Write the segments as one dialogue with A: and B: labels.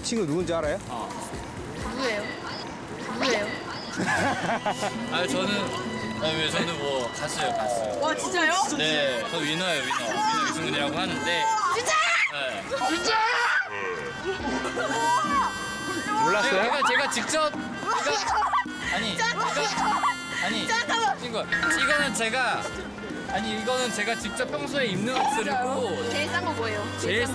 A: 이 친구 누군지 알아요?
B: 누구예요? 누구예요?
C: 아 저는 뭐 가수예요 가수.
B: 와 진짜요?
C: 네, 저 위너예요 위너 유승훈이라고 하는데.
B: 진짜?
C: 네.
B: 진짜?
A: 몰랐어요?
C: 제가 직접 이거는 제가 직접 평소에 입는 옷들이고
B: 제일 싼 거 뭐예요?
C: 제일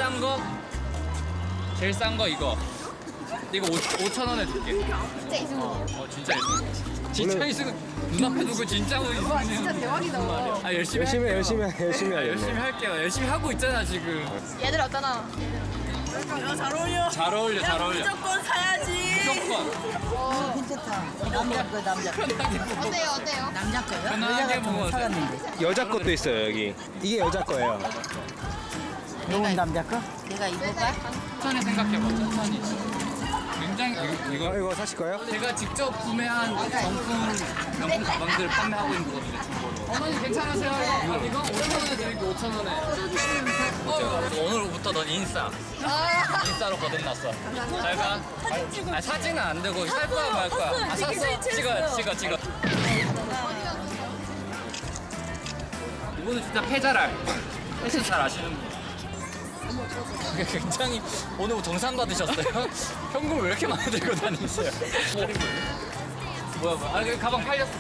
C: 싼 거 이거. 이거 5,000원에 줄게.
B: 진짜 이승훈이에요.
C: 진짜 이승훈. 진짜 이승훈 눈앞에 두고 진짜
B: 와 진짜 대박이다.
C: 아 열심히
A: 열심히
C: 할게요.
A: 하겠네.
C: 할게요. 열심히 하고 있잖아 지금.
B: 얘들 어떠나?
D: 잘 어울려.
C: 잘 어울려.
D: 무조건 사야지.
C: 무조건.
E: 괜찮다. 남자 거 남자 거.
B: 어때요?
E: 남자 거요?
C: 편하게
E: 여자
C: 먹어도
E: 같으면
C: 돼.
E: 사갔는데.
A: 여자 것도 있어요 여기. 이게 여자 거예요.
E: 이건 남자 거? 내가 입을까?
C: 천천히 생각해봐. 천천히. 굉장히
A: 이거 사실 거예요?
C: 제가 직접 구매한 명품 가방들을 판매하고 있는 거거든요. 중고로. 어머니 괜찮으세요? 이거 5,000원에 드릴게요. 5,000원에. 오늘부터 넌 인싸로 거듭났어. 잘 가. 사진은 안 되고 살 거야 말 거야. 샀어. 찍어. 이분은 진짜 패자랄. 패션 잘 아시는 분. 굉장히 오늘 뭐 정산 받으셨어요? 현금 왜 이렇게 많이 들고 다니세요? 뭐야. 아, 그 가방 팔렸어.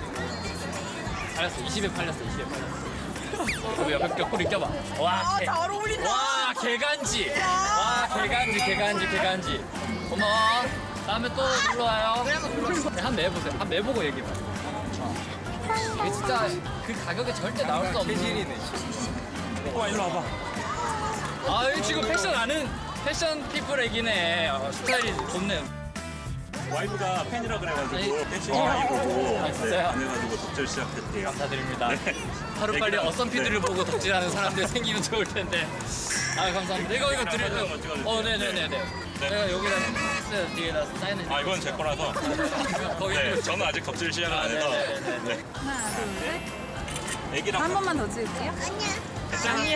C: 20에 팔렸어. 그 옆에 벽걸이 껴봐. 와,
D: 잘 어울린다.
C: 와, 개간지. 와, 개간지. 고마워. 다음에 또 놀러 와요. 한 매보세요. 한 매보고 얘기해. 이게 진짜 그 가격에 절대 나올 수 없는.
A: 체질이네.
C: 와, 일로 와봐. 아, 이 지금 패션 아는 패션 피플 애기네. 스타일이 좋네.
F: 와이프가 팬이라 그래가지고
C: 아니,
F: 팬심이 많이 보고
C: 아, 진짜요?
F: 안 해가지고 독절 시작했대요.
C: 감사드립니다. 하루빨리 어썸피드를 보고 덕질하는 사람들 생기면 좋을 텐데. 아, 감사합니다. 이거 드릴게요. 네네네. 내가 여기다 뒤에다 사인해.
F: 아 이건 제 거라서.
C: 거기
F: 네, 저는 아직 덕질 시작을 안 해서.
C: 네네네.
F: 네. 애기랑
D: 한 번만 더 찍을게요.
F: 아니야.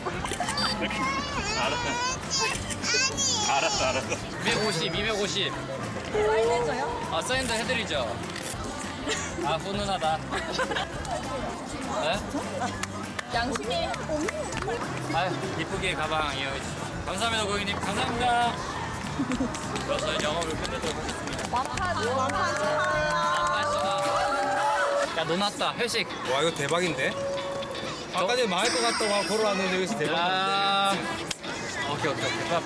F: 알았어.
C: 250.
D: 사인해줘요?
C: 아, 사인도 해드리죠. 아, 훈훈하다. 네?
D: 양심이.
C: 아유, 이쁘게 가방 이용해주셔서 감사합니다, 고객님. 감사합니다. 저희 영업을 끝내도록 하겠습니다. 야, 노났다. 회식.
A: 와 이거 대박인데? 아까 전에 망할 것 같다고 하고 걸어왔는데 여기서 대박인데?
C: 야. 오케이.